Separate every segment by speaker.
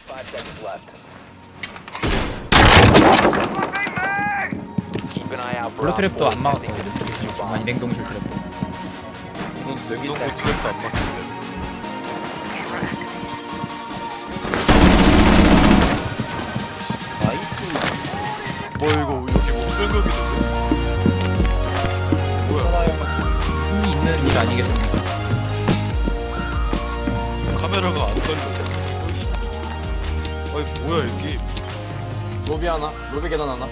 Speaker 1: 5 seconds left. Keep an eye out for
Speaker 2: 블루 트랩도
Speaker 1: op
Speaker 2: 안
Speaker 1: 4
Speaker 2: 막았거든.
Speaker 1: attempting to defuse your
Speaker 2: 아니
Speaker 1: bomb.
Speaker 2: 냉동실 트랩도.
Speaker 3: 이건 냉동고 트랩도 안 막힌대.
Speaker 4: 나이스.
Speaker 3: 뭐 이거 여기 뭐 설명이 있는데? 뭐야?
Speaker 2: 힘이 있는 일 아니겠습니까?
Speaker 3: 카메라가 안 떨려. 아니 뭐야 이 게임?
Speaker 4: 로비 하나, 로비 계단 하나.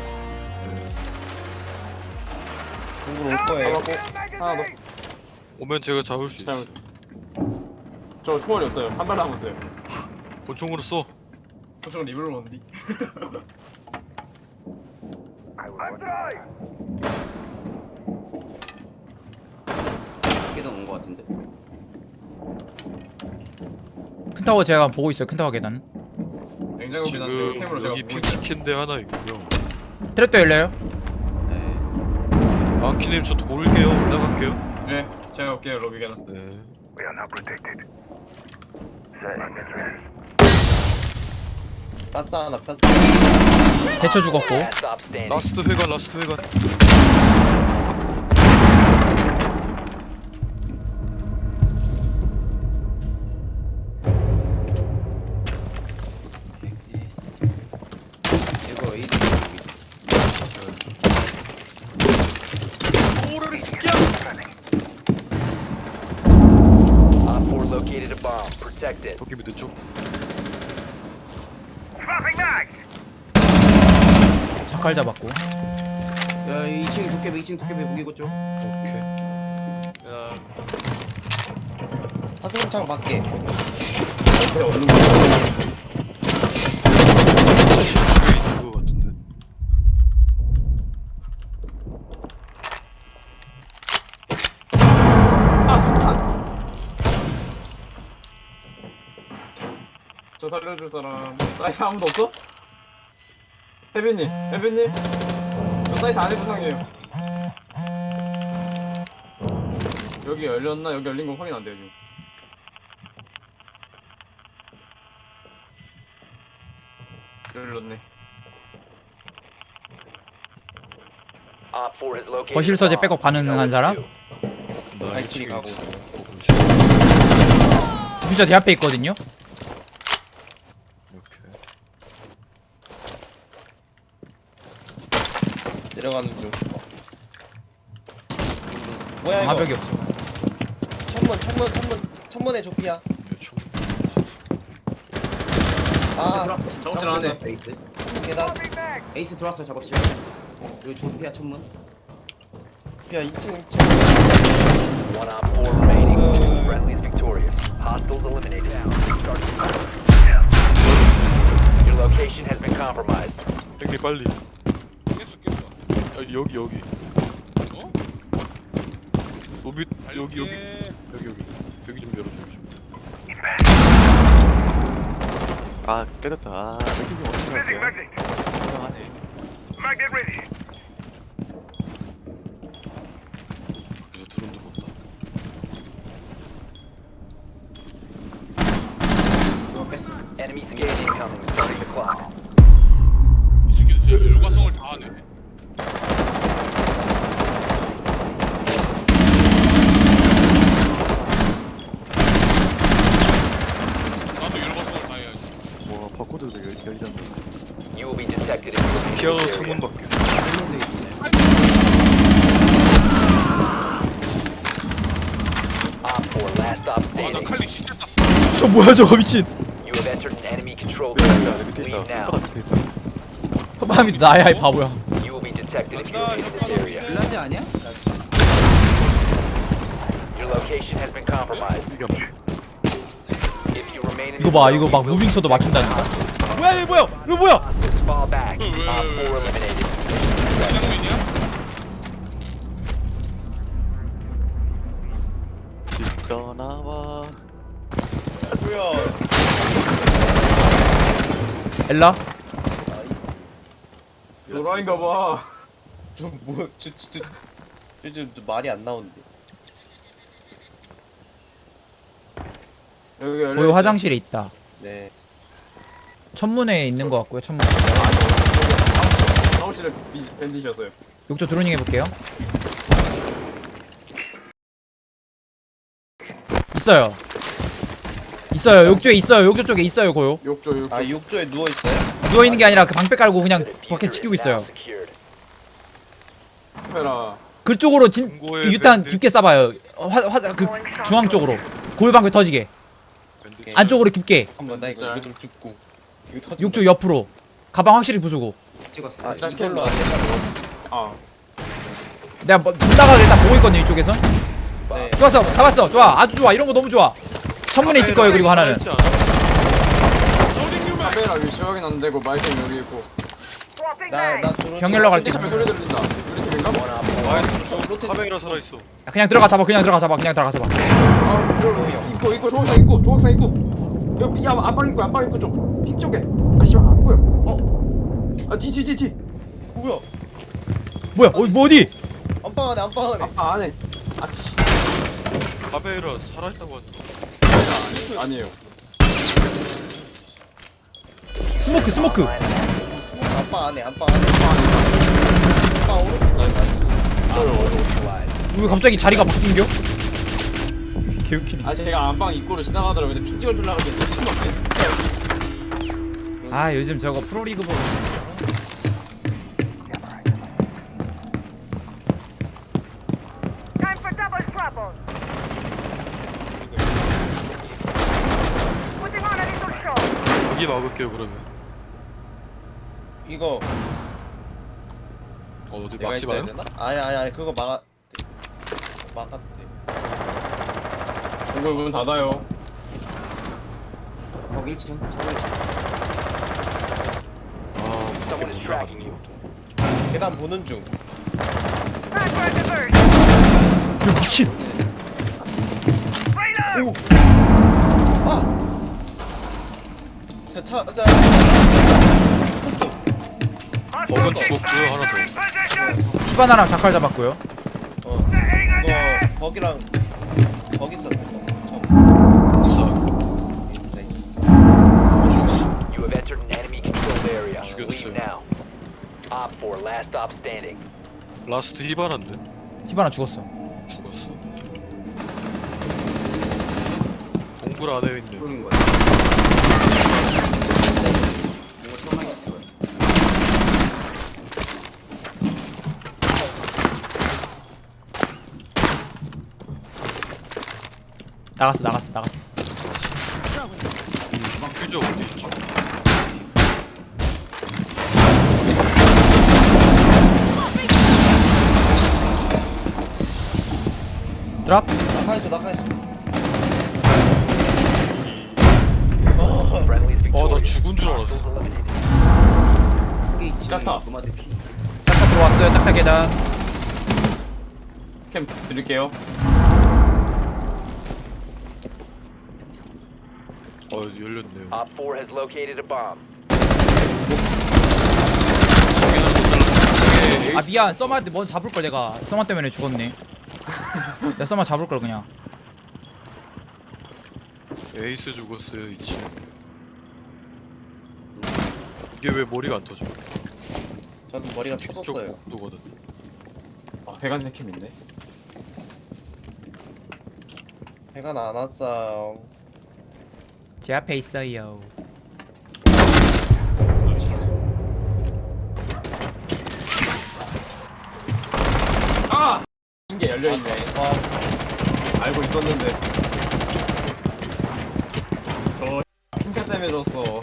Speaker 5: 공으로 올 거예요.
Speaker 4: 하나 더.
Speaker 3: 오면 제가 잡을 수 있어.
Speaker 4: 잘못. 저 총알이 없어요. 한 발 남았어요.
Speaker 3: 권총으로 써.
Speaker 4: 저쪽은 리블로 뭔디?
Speaker 5: 계단 온거 같은데.
Speaker 2: 큰 타워 제가 보고 있어요. 큰 타워 계단.
Speaker 4: 냉장고 계단 저
Speaker 3: 지금
Speaker 4: 캠으로 제가
Speaker 3: 여기
Speaker 4: 보고 있어요.
Speaker 3: 핑치킨데 하나 있고요.
Speaker 2: 트랩도 열려요.
Speaker 5: 네.
Speaker 3: 안키님 저 돌게요. 올라갈게요.
Speaker 4: 네, 제가 올게요 로비 계단.
Speaker 3: 네.
Speaker 5: 가스 하나 폈어.
Speaker 2: 대처 죽었고.
Speaker 1: Last stop standing.
Speaker 3: 라스트 회관 라스트 회관.
Speaker 5: 이거 이
Speaker 1: Op 4 located a bomb. Protect it.
Speaker 3: 도끼 밑에 쪽.
Speaker 2: 자칼 잡았고.
Speaker 5: 야, 2층 도깨비 2층 도깨비 무기고 쪽.
Speaker 3: 오케이.
Speaker 5: 야. 사슴창 밖에.
Speaker 4: 네, 얼른
Speaker 3: 여기 있는 거 같은데.
Speaker 4: 저 살려줄 사람. 사이트 아무도 없어? 혜빈님, 혜빈님. 저 사이트 안에 부상이에요. 여기 열렸나? 여기 열린 거 확인 안 돼요 지금. 열렸네.
Speaker 1: Op 4 has located
Speaker 2: 거실
Speaker 1: a
Speaker 2: 서재
Speaker 1: bomb.
Speaker 2: 백업 가능한 사람?
Speaker 3: 나
Speaker 5: 발길이
Speaker 3: 2층에
Speaker 5: 가고
Speaker 3: 있어.
Speaker 5: 있어요.
Speaker 2: 디퓨저 제 앞에 있거든요.
Speaker 3: 이렇게.
Speaker 5: 내려가는 중. 뭐야 이거?
Speaker 2: 방화벽이 없어.
Speaker 5: 천문에 조피야.
Speaker 3: 대충.
Speaker 5: 아,
Speaker 4: 정신 안 해.
Speaker 5: 에이스. 계단. 에이스 들어왔어 작업실. 여기 조피야 천문. 야 2층.
Speaker 1: One Op 4 remaining. Friendly is victorious. Hostiles eliminated. Starting time. Your location has been compromised.
Speaker 3: 형님 빨리. 깼어. 아, 여기. 어? 로비 여기. 여기 좀 열어줘. 여기 좀.
Speaker 6: 아 때렸다. 아 맥주님 어떻게 할게요? 이상하네.
Speaker 3: 그래서 드론도 본다.
Speaker 1: Enemy scan incoming. Starting the clock.
Speaker 7: 이 새끼들 진짜 일과성을 다 하네. 나도 일과성을 다 해야지.
Speaker 6: 와 바코드도 열리잖아.
Speaker 1: You will be detected if you
Speaker 3: 피아노
Speaker 1: leave this
Speaker 3: 창문
Speaker 1: area.
Speaker 3: 밖에.
Speaker 1: Op 4 last stop
Speaker 7: 와, 나
Speaker 1: standing.
Speaker 7: 칼리 진짜 땄어.
Speaker 2: 저 뭐야 저거 미친.
Speaker 1: You have entered an enemy controlled
Speaker 6: 밑에
Speaker 1: area.
Speaker 6: 있다. 밑에
Speaker 1: Leave
Speaker 6: 있다.
Speaker 1: now.
Speaker 6: 밑에 있다.
Speaker 2: 허밤이 나야 이 바보야.
Speaker 1: You will be detected if you leave this area.
Speaker 5: 빌라지 아니야?
Speaker 1: Your location has been compromised.
Speaker 3: 이게
Speaker 1: If you remain in
Speaker 2: 이거
Speaker 1: this
Speaker 2: 봐
Speaker 1: zone,
Speaker 2: 이거
Speaker 1: you
Speaker 2: 막
Speaker 1: will
Speaker 2: 무빙 쳐도
Speaker 1: be
Speaker 2: 막힌다니까.
Speaker 1: detected.
Speaker 2: 뭐야 이거 뭐야 이거 뭐야?
Speaker 1: Fall back. Op 4 eliminated.
Speaker 7: 장면이야?
Speaker 6: 진짜 나와.
Speaker 2: 엘라.
Speaker 4: 노라인가 봐.
Speaker 5: 요즘 말이 안 나오는데.
Speaker 4: 여기 열려.
Speaker 2: 거기 화장실에 있다.
Speaker 5: 네.
Speaker 2: 천문에 있는 거 같고요. 천문.
Speaker 4: 사무실에 밴디셨어요.
Speaker 2: 욕조 드로닝 해볼게요. 있어요. 있어요. 욕조에 있어요. 욕조 쪽에 있어요. 고요.
Speaker 4: 욕조.
Speaker 5: 아 욕조에 누워 있어요?
Speaker 2: 누워 있는 게 아니라 그 방패 깔고 그냥 밖에 지키고 있어요.
Speaker 4: 카메라.
Speaker 2: 그쪽으로
Speaker 3: 중고의
Speaker 2: 유탄
Speaker 3: 밴드.
Speaker 2: 깊게 쏴봐요. 그 중앙 쪽으로. 고요 방패 터지게.
Speaker 3: 밴드.
Speaker 2: 안쪽으로 깊게.
Speaker 5: 한번 나
Speaker 4: 진짜.
Speaker 5: 이거 좀 죽고. 이거 터진다.
Speaker 2: 욕조 옆으로. 가방 확실히 부수고.
Speaker 5: 찍었어.
Speaker 4: 아,
Speaker 5: 이걸로 안 된다.
Speaker 4: 아.
Speaker 2: 내가 문 나가게 일단 보고 있거든요. 이쪽에서.
Speaker 5: 네.
Speaker 2: 좋았어. 잡았어. 좋아. 아주 좋아. 이런 거 너무 좋아. 천문에 있을 거예요. 그리고 하나는.
Speaker 3: 살아있지 않아?
Speaker 4: 카메라 위치 확인 안 되고 마이크 여기 있고.
Speaker 5: 나 들어.
Speaker 2: 병렬로 갈게.
Speaker 4: 밴디 소리 들린다. 우리 팀인가?
Speaker 3: 아이 카메라 살아있어.
Speaker 2: 그냥 들어가 잡아. 그냥 들어가 잡아. 그냥 들어가 잡아.
Speaker 4: 아, 입고 조각상 입고. 여기 안방 입고 쪽. 핑 쪽에. 아 씨발 안 보여. 아 뒤.
Speaker 5: 뭐야?
Speaker 2: 뭐야? 뭐 어디?
Speaker 5: 안방 안에 안방 안에.
Speaker 4: 아 안에. 아 씨.
Speaker 3: 카메라 살아있다고 하지.
Speaker 4: 아니에요.
Speaker 2: 스모크.
Speaker 5: 안방 안에 안방 안에. 안방 오른쪽.
Speaker 2: 왜 갑자기 자리가 바뀐겨? 개웃기네.
Speaker 4: 아 제가 안방 입구로 지나가더라고요. 근데 핑 찍어주려고 했는데 핑 없네.
Speaker 2: 아 요즘 저거 프로리그 보고.
Speaker 8: Time for double trouble. Putting on a little show.
Speaker 3: 여기 막을게요 그러면.
Speaker 5: 이거
Speaker 3: 어디
Speaker 5: 내가
Speaker 3: 막지
Speaker 5: 있어야
Speaker 3: 마요?
Speaker 5: 되나? 아니 그거 막았대.
Speaker 4: 동굴 문 닫아요.
Speaker 5: 어 1층.
Speaker 3: 아
Speaker 1: Someone is
Speaker 3: 못
Speaker 1: tracking you.
Speaker 3: 나가는
Speaker 5: 계단 보는 중.
Speaker 8: Time for a diversion.
Speaker 2: 야 미친.
Speaker 8: Reload.
Speaker 5: 아. 자.
Speaker 3: 버건 죽었고요 하나 더.
Speaker 8: Position.
Speaker 2: 피바나랑 자칼 잡았고요.
Speaker 5: 이거 거기랑 거기 있었네.
Speaker 3: 구사.
Speaker 1: You have entered an enemy controlled area.
Speaker 3: 죽였어요.
Speaker 1: Leave now. Op 4, last stop standing.
Speaker 3: 라스트 히바란데
Speaker 2: 피바나 죽었어.
Speaker 3: 죽었어. 동굴 안에 있네.
Speaker 5: 쏘는 거야. 뭔가 처음 하겠어.
Speaker 2: 나갔어.
Speaker 3: 퓨즈 어디 있죠?
Speaker 2: 드랍.
Speaker 5: 낙하했어.
Speaker 1: Friendly is
Speaker 3: 나
Speaker 1: victorious.
Speaker 3: 죽은 줄 알았어.
Speaker 1: Hostiles eliminated.
Speaker 5: 거기 있지.
Speaker 4: 짰다.
Speaker 5: 노마드 피.
Speaker 2: 짝타 들어왔어요. 짝타 계단.
Speaker 4: 캠 드릴게요.
Speaker 3: 열렸네요.
Speaker 1: Op 4 has located a bomb.
Speaker 2: 아 미안. 써마한테 먼저 잡을 걸 내가. 써마 때문에 죽었네. 내가 써마 잡을 걸 그냥.
Speaker 3: 에이스 죽었어요 2층. 이게 왜 머리가 안 터져?
Speaker 5: 저는 머리가
Speaker 3: 직접
Speaker 5: 터졌어요.
Speaker 3: 복도거든.
Speaker 4: 아 배관 캠 있네.
Speaker 5: 배가 안 왔어.
Speaker 2: 제 앞에 있어요.
Speaker 4: 아! 인게 열려 있네. 알고 있었는데. 저 핑차 때문에 졌어.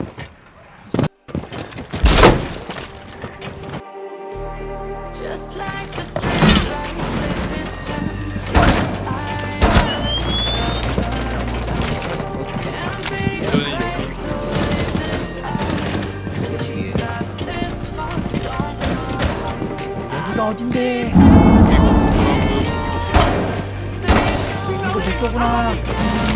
Speaker 9: Just like the street lights with this turn. Can't be afraid to leave this out. You got this far, don't
Speaker 2: 여기가 어딘데? 이거 내 거구나.